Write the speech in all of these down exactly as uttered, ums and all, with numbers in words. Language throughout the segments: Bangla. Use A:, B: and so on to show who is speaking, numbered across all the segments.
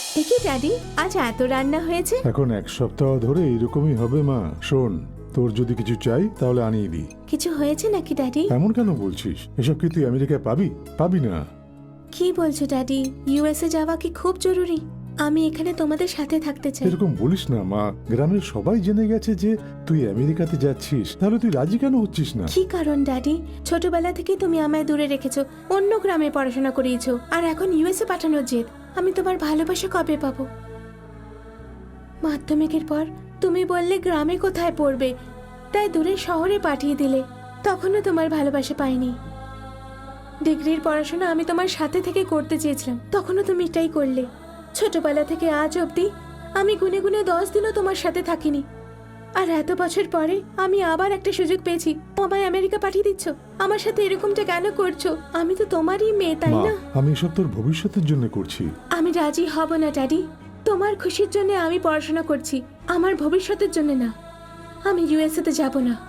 A: একি ড্যাডি, আজ এত রান্না হয়েছে?
B: এখন এক সপ্তাহ ধরে এরকমই হবে মা। শোন, তোর যদি কিছু চাই তাহলে আনিয়ে দি।
A: কিছু হয়েছে নাকি ড্যাডি?
B: এমন কেন বলছিস? এসব কি তুই আমেরিকায় পাবি? পাবি না।
A: কি বলছো ড্যাডি? ইউএসএ যাওয়া কি খুব জরুরি? আমি এখানে তোমাদের সাথে থাকতে চাই।
B: এরকম বলিস না মা। গ্রামের সবাই জেনে গেছে যে তুই আমেরিকাতে যাচ্ছিস, তাহলে তুই রাজি কেন হচ্ছিস না?
A: কি কারণ ড্যাডি? ছোটবেলা থেকেই তুমি আমায় দূরে রেখেছো, অন্য গ্রামে পড়াশোনা করিয়েছো, আর এখন ইউএসএ পাঠানোর জেদ। আমি তোমার ভালোবাসা কবে পাবো? মাধ্যমিকের পর তুমি বললে গ্রামে কোথায় পড়বে, তাই দূরে শহরে পাঠিয়ে দিলে। তখনও তোমার ভালোবাসা পাইনি। ডিগ্রির পড়াশোনা আমি তোমার সাথে থেকে করতে চেয়েছিলাম, তখনও তুমি এটাই করলে। ছোটবেলা থেকে আজ অবধি আমি গুনে গুনে দশ দিনও তোমার সাথে থাকিনি, আর এত বছর পরে আমি আবার একটা সুযোগ পেয়েছি, আমায় আমেরিকা পাঠিয়ে দিচ্ছ। আমার সাথে এরকমটা কেন করছো? আমি তো তোমারই মেয়ে, তাই
B: মা,
A: না?
B: আমি এসব তোর ভবিষ্যতের জন্য করছি।
A: আমি রাজি হব না ড্যাডি। তোমার খুশির জন্য আমি পড়াশোনা করছি, আমার ভবিষ্যতের জন্য না। আমি ইউএসএ তে যাব না।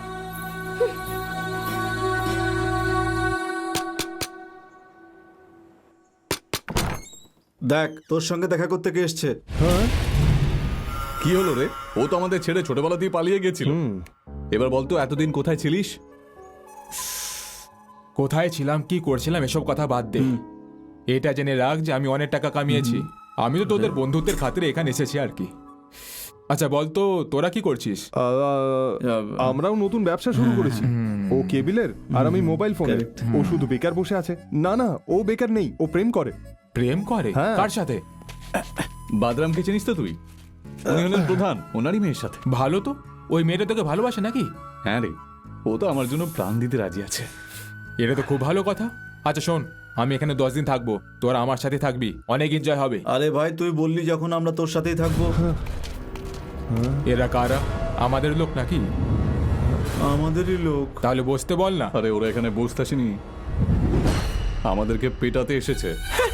C: দেখ, তোর সঙ্গে দেখা করতে কে এসছে।
D: কি হলো রে? ও তো আমাদের ছেড়ে ছোটবেলাতেই পালিয়ে গেছিল। এবার বলতো এতদিন কোথায় ছিলিস?
E: কোথায় ছিলাম, কি করছিলাম, এসব কথা বাদ দে। এটা জেনে রাখ যে আমি অনেক টাকা কামিয়েছি। আমি তো তোদের বন্ধুত্বের খাতিরে এখানে এসেছি আর কি। আচ্ছা বলতো, তোরা কি করছিস?
F: আমরাও নতুন ব্যবসা শুরু করেছি। ও কেবিলের আর আমি মোবাইল ফোনের। ও শুধু বেকার বসে আছে। না না, ও বেকার নেই, ও প্রেম করে।
E: প্রেম করে?
F: হ্যাঁ।
E: কার সাথে?
D: বাদরামকে চিনিস তো তুই? উনি হলেন প্রধান, ওনারই মেয়ের সাথে।
E: ভালো তো, ওই মেয়েটা তোকে ভালোবাসে নাকি?
D: হ্যাঁ রে, ও তো আমার জন্য প্রাণ দিতে রাজি আছে।
E: এটা তো খুব ভালো কথা। আচ্ছা শোন, আমি এখানে দশ দিন থাকবো, তোরা আমার সাথে থাকবি, অনেক এনজয় হবে।
C: আরে ভাই, তুই বললি যখন আমরা তোর সাথেই থাকবো।
E: এরা কারা? আমাদের লোক নাকি?
C: আমাদেরই লোক।
E: তাহলে বসতে বল না।
D: আরে ওরা এখানে বসতে আসেনি, আমাদেরকে পেটাতে এসেছে।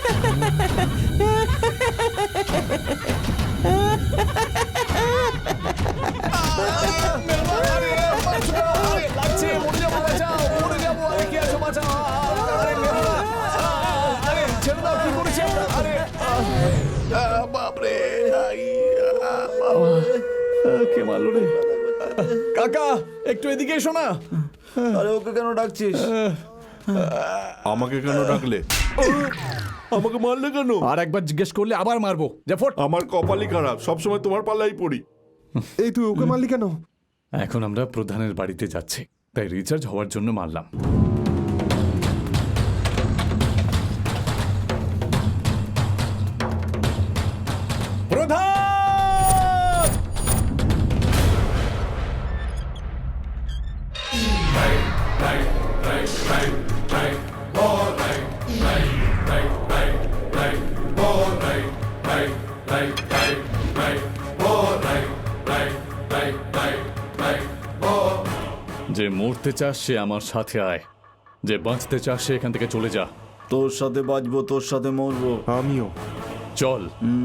D: কে মারলো রে? কাকা, একটু এদিকে এসো না।
C: আরে ওকে কেন ডাকছিস?
G: আমাকে কেন ডাকলে? আমাকে মারলে কেন?
D: আর একবার জিজ্ঞেস করলে আবার মারবো। যা ফট।
G: আমার কপালই খারাপ, সবসময় তোমার পাল্লাই পড়ি।
F: এই তুই ওকে মারলি কেন?
D: এখন আমরা প্রধানের বাড়িতে যাচ্ছি, তাই রিচার্জ হওয়ার জন্য মারলাম। প্রধান! যে মরতে চাস সে আমার সাথে আয়, যে বাঁচতে চাস সে এখান থেকে চলে যা।
C: তোর সাথে বাঁচবো, তোর সাথে মরবো।
F: আমিও।
D: চল।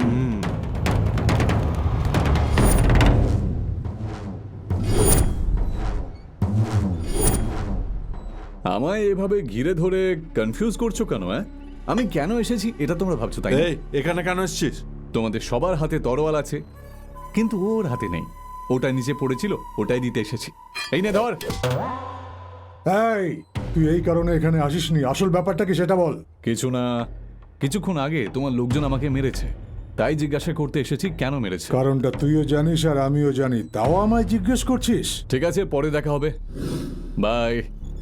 D: আমায় এভাবে ঘিরে ধরে কনফিউজ করছো কেন? হ্যাঁ, আমি কেন এসেছি এটা তোমরা ভাবছো তাই না?
G: এই, এখানে কেন এসেছিস?
D: তোমাদের সবার হাতে তরোয়াল আছে, কিন্তু ওর হাতে নেই। ওটা নিচে পড়েছিল, ওটাই দিতে এসেছি। এই নে ধর।
B: এই, তুই এই কারণে এখানে আসিসনি, আসল ব্যাপারটা কি সেটা বল।
D: কিছু না, কিছুক্ষণ আগে তোমার লোকজন আমাকে মেরেছে, তাই জিজ্ঞাসা করতে এসেছি কেন মেরেছে।
B: কারণটা তুইও জানিস আর আমিও জানি, তাও আমায় জিজ্ঞেস করছিস?
D: ঠিক আছে, পরে দেখা হবে, বাই।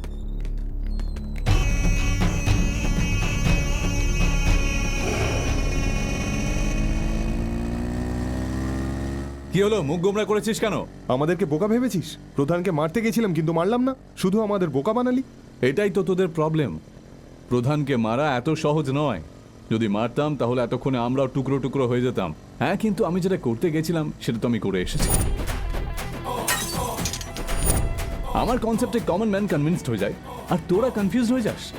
D: কি হলো, মুখ গোমরা করেছিস কেন?
F: আমাদেরকে বোকা ভেবেছিস? প্রধানকে মারতে গেছিলাম কিন্তু মারলাম না, শুধু আমাদের বোকা বানালি।
D: এটাই তো তোদের প্রবলেম। প্রধানকে মারা এত সহজ নয়। যদি মারতাম তাহলে এতক্ষণে আমরাও টুকরো টুকরো হয়ে যেতাম। হ্যাঁ, কিন্তু আমি যেটা করতে গেছিলাম সেটা তো আমি করে এসেছি। আমার কনসেপ্টে কমন ম্যান কনভিন্সড হয়ে যায়, আর তোরা কনফিউজড হয়ে যাস।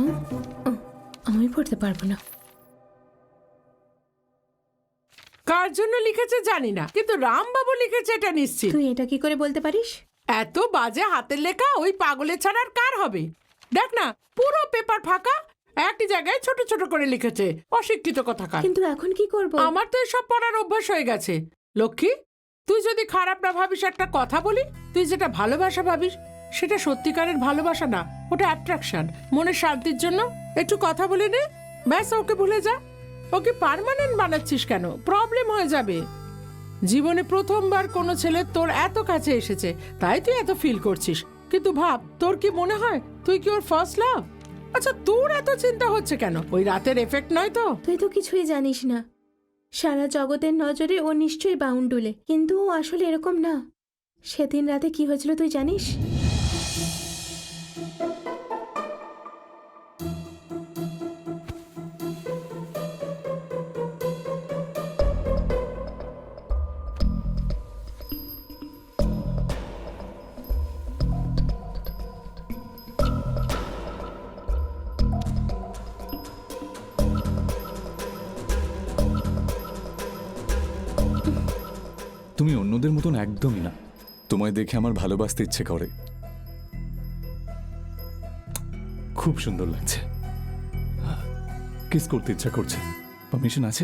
A: আমি পড়তে পারবো না।
H: কার জন্য লিখেছে জানি না, কিন্তু রামবাবু লিখেছে এটা নিশ্চিত।
A: তুই এটা কি করে বলতে পারিস?
H: এত বাজে হাতের লেখা ওই পাগলের ছাড়া আর কার হবে? দেখ না, পুরো পেপার ফাঁকা, একটি জায়গায় ছোট ছোট করে লিখেছে। অশিক্ষিত কথাকার।
A: কিন্তু এখন কি করব?
H: আমার তো এসব পড়ার অভ্যাস হয়ে গেছে। লক্ষ্মী, তুই যদি খারাপ না ভাবিস, একটা কথা বলি, তুই যেটা ভালোবাসা ভাবিস সেটা সত্যিকারের ভালোবাসা না, ওটা অ্যাট্রাকশন। মনের শান্তির জন্য একটু কথা বলে নে, ব্যাস, ওকে ভুলে যা। ওকে পার্মানেন্ট বানাচ্ছিস কেন? প্রবলেম হয়ে যাবে। জীবনে প্রথমবার কোনো ছেলে তোর এত কাছে এসেছে, তাই তুই এত ফিল করছিস। কিন্তু ভাব, তোর কি মনে হয় তুই কি ওর ফার্স্ট লাভ? আচ্ছা, তোর এত চিন্তা হচ্ছে কেন? ওই রাতের এফেক্ট নয় তো?
A: তুই তো কিছুই জানিস না। সারা জগতের নজরে ও নিশ্চয়ই বাউন্ডুলে, কিন্তু ও আসলে এরকম না। সেদিন রাতে কি হয়েছিল তুই জানিস?
D: তুমি অন্যদের মতন একদমই না। তোমায় দেখে আমার ভালোবাসতে ইচ্ছে করে। খুব সুন্দর লাগছে। কিস করতে ইচ্ছা করছে। পারমিশন আছে?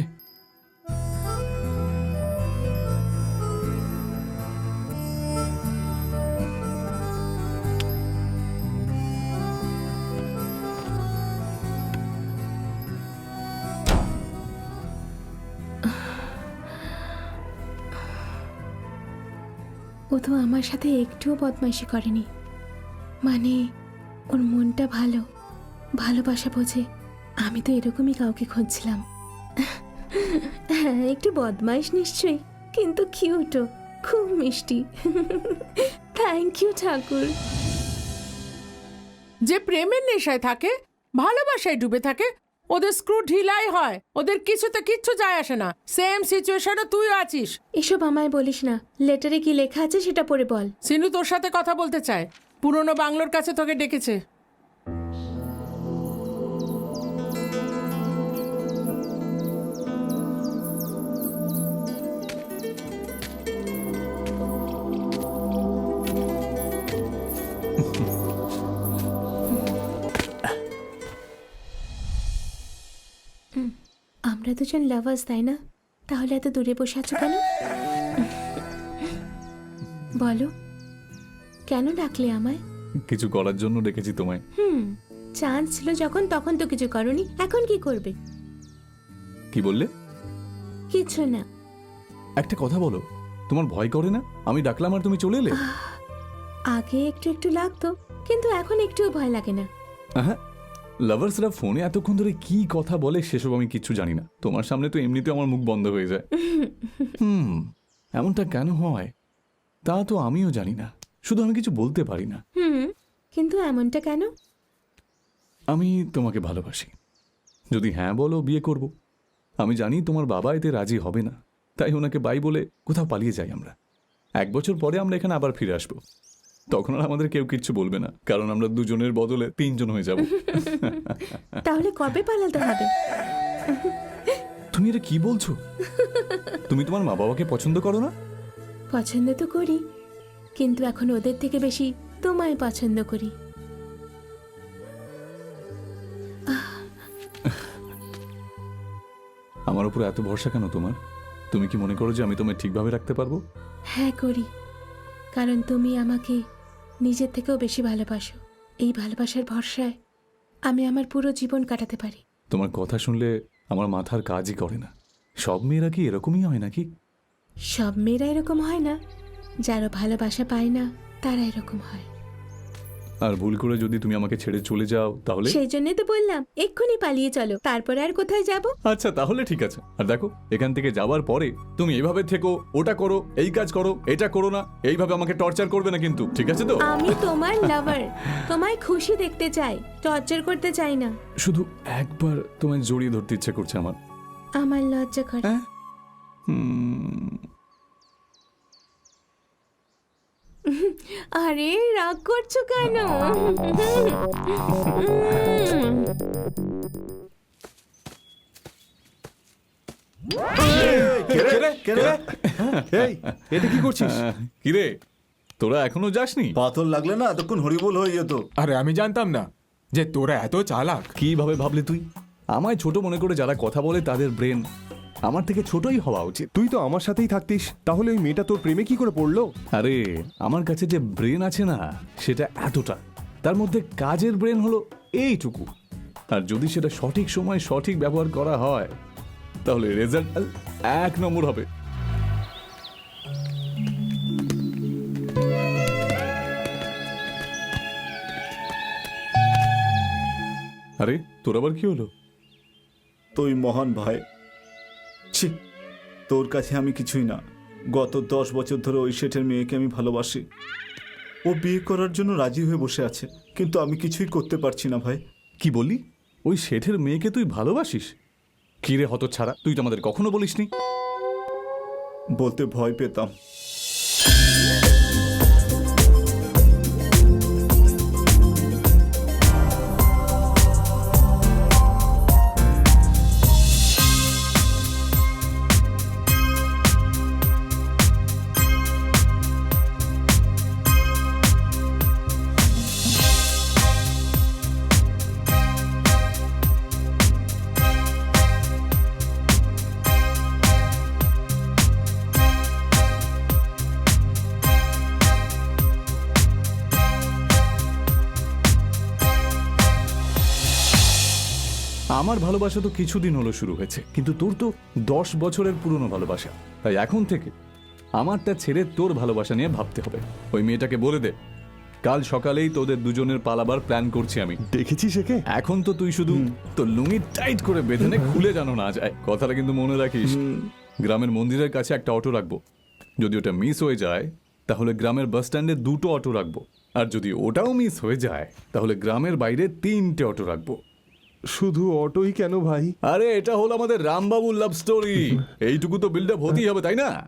A: ও তো আমার সাথে একটুও বদমাইশি করেনি। মানে ওর মনটা ভালো, ভালোবাসা বোঝে। আমি তো এরকমই কাউকে খুঁজছিলাম। হ্যাঁ, একটু বদমাইশ নিশ্চয়ই, কিন্তু কিউটও, খুব মিষ্টি। Thank you Thakur.
H: যে প্রেমের নেশায় থাকে, ভালোবাসায় ডুবে থাকে, ওদের স্ক্রু ঢিলাই হয়। ওদের কিছুতে কিচ্ছু যায় আসে না। সেম সিচুয়েশনে তুই আছিস।
A: এসব আমায় বলিস না। লেটারে কি লেখা আছে সেটা পড়ে বল।
H: সিনু তোর সাথে কথা বলতে চায়। পুরনো বাংলোর কাছে তোকে ডেকেছে।
A: আমরা দুজন লাভার্স, তাই না? তাহলে এত দূরে বসে আছো কেন? বলো, কেন ডাকলে আমায়?
D: কিছু করার জন্য ডেকেছি তোমায়।
A: হুম, চান্স ছিল যখন, তখন তো কিছু করনি। এখন কি করবে?
D: কি বললে?
A: কিছু না।
D: একটা কথা বলো, তোমার ভয় করে না আমি ডাকলাম আর তুমি চলে এলে?
A: আগে একটু একটু লাগতো, কিন্তু এখন একটুও ভয় লাগে না।
D: হ্যাঁ, লাভার্সরা ফোনে এতক্ষণ ধরে কি কথা বলে সেসব আমি কিচ্ছু জানি না। তোমার সামনে তো এমনিতে আমার মুখ বন্ধ হয়ে যায়। হুম, এমনটা কেন হয় তা তো আমিও জানি না। শুধু আমি কিছু বলতে পারি না।
A: হুম, কিন্তু এমনটা কেন?
D: আমি তোমাকে ভালোবাসি। যদি হ্যাঁ বলো, বিয়ে করব। আমি জানি তোমার বাবা এতে রাজি হবে না, তাই ওনাকে বাই বলে কোথাও পালিয়ে যাই আমরা। এক বছর পরে আমরা এখানে আবার ফিরে আসবো। তখন আর আমাদের কেউ কিচ্ছু বলবে না, কারণ আমরা দুজনের বদলে তিনজন হয়ে যাব।
A: তাহলে কবে পালাতে হবে?
D: তুমি এটা কি বলছো? তুমি তোমার মা বাবাকে পছন্দ করো না?
A: পছন্দ তো করি, কিন্তু এখন ওদের থেকে বেশি তোমায় পছন্দ করি।
D: আমার উপর এত ভরসা কেন তোমার? তুমি কি মনে করো যে আমি তোমায় ঠিকভাবে রাখতে পারবো?
A: হ্যাঁ করি, কারণ তুমি আমাকে নিজের থেকেও বেশি ভালোবাসো। এই ভালোবাসার ভরসায় আমি আমার পুরো জীবন কাটাতে পারি।
D: তোমার কথা শুনলে আমার মাথার কাজই করে না। সব মেয়েরা কি এরকমই হয় নাকি?
A: সব মেয়েরা এরকম হয় না, যারা ভালোবাসা পায় না তারা এরকম হয়।
D: আর ভুল করে যদি তুমি আমাকে ছেড়ে চলে যাও তাহলে?
A: সেই জন্যই তো বললাম এক্ষুনি পালিয়ে চলো, তারপরে আর কোথায় যাব?
D: আচ্ছা, তাহলে ঠিক আছে। আর দেখো, এখান থেকে যাওয়ার পরে তুমি এইভাবে থেকো, ওটা করো, এই কাজ করো, এটা করো না, এইভাবে আমাকে টর্চার করবে না কিন্তু, ঠিক আছে তো?
A: আমি তোমার লাভার, তোমায় খুশি দেখতে চাই, টর্চার করতে চাই না।
D: শুধু একবার তোমায় জড়িয়ে ধরতে ইচ্ছে করছে আমার।
A: আমার লজ্জা করে।
D: হ্যাঁ? হুম,
A: আরে রাগ করছো কেন?
F: এই এটা কি করছিস?
D: কিরে তোরা এখনো যাসনি?
C: পাথর লাগলে না এতক্ষণ হরিবোল হয়ে যেত।
E: আরে আমি জানতাম না যে তোরা এত চালাক।
D: কিভাবে ভাবলি তুই? আমায় ছোট মনে করে যারা কথা বলে তাদের ব্রেন আমার থেকে ছোটই হওয়া উচিত।
F: তুই তো আমার সাথেই থাকতিস, তাহলে ওই মেয়েটা তোর প্রেমে কি করে পড়লো?
D: আরে আমার কাছে যে ব্রেন আছে না সেটা এতটা, তার মধ্যে কাজের ব্রেন হলো এইটুকু। আর যদি সেটা সঠিক সময় সঠিক ব্যবহার করা হয় তাহলে রেজাল্ট এক নম্বর হবে। আরে তোর আবার কি হলো?
C: তুই মহান ভাই। ছি, তোর কাছে আমি কিছুই না। গত দশ বছর ধরে ওই শেঠের মেয়েকে আমি ভালোবাসি। ও বিয়ে করার জন্য রাজি হয়ে বসে আছে, কিন্তু আমি কিছুই করতে পারছি না ভাই।
D: কি বললি? ওই শেঠের মেয়েকে তুই ভালোবাসিস? কি রে হতচ্ছাড়া, তুই তো আমাদের কখনো বলিসনি।
C: বলতে ভয় পেতাম।
D: আমার ভালোবাসা তো কিছুদিন হলো শুরু হয়েছে, কিন্তু তোর তো দশ বছরের পুরনো ভালোবাসা। তাই এখন থেকে আমারটা ছেড়ে তোর ভালোবাসা নিয়ে ভাবতে হবে। ওই মেয়েটাকে বলে দে কাল সকালেই তোদের দুজনের পালাবার প্ল্যান করছি আমি।
F: দেখেছিস একে?
D: এখন তো তুই শুধু তোর লুঙ্গি টাইট করে বেঁধে নে, খুলে যেন না যায়। কথাটা কিন্তু মনে রাখিস। গ্রামের মন্দিরের কাছে একটা অটো রাখবো। যদি ওটা মিস হয়ে যায় তাহলে গ্রামের বাস স্ট্যান্ডে দুটো অটো রাখবো, আর যদি ওটাও মিস হয়ে যায় তাহলে গ্রামের বাইরে তিনটে অটো রাখবো।
F: শুধু অটোই কেন ভাই?
D: আরে এটা হলো আমাদের রামবাবুর লাভ স্টোরি, এইটুকু তো বিল্ড আপ হতেই হবে, তাই না?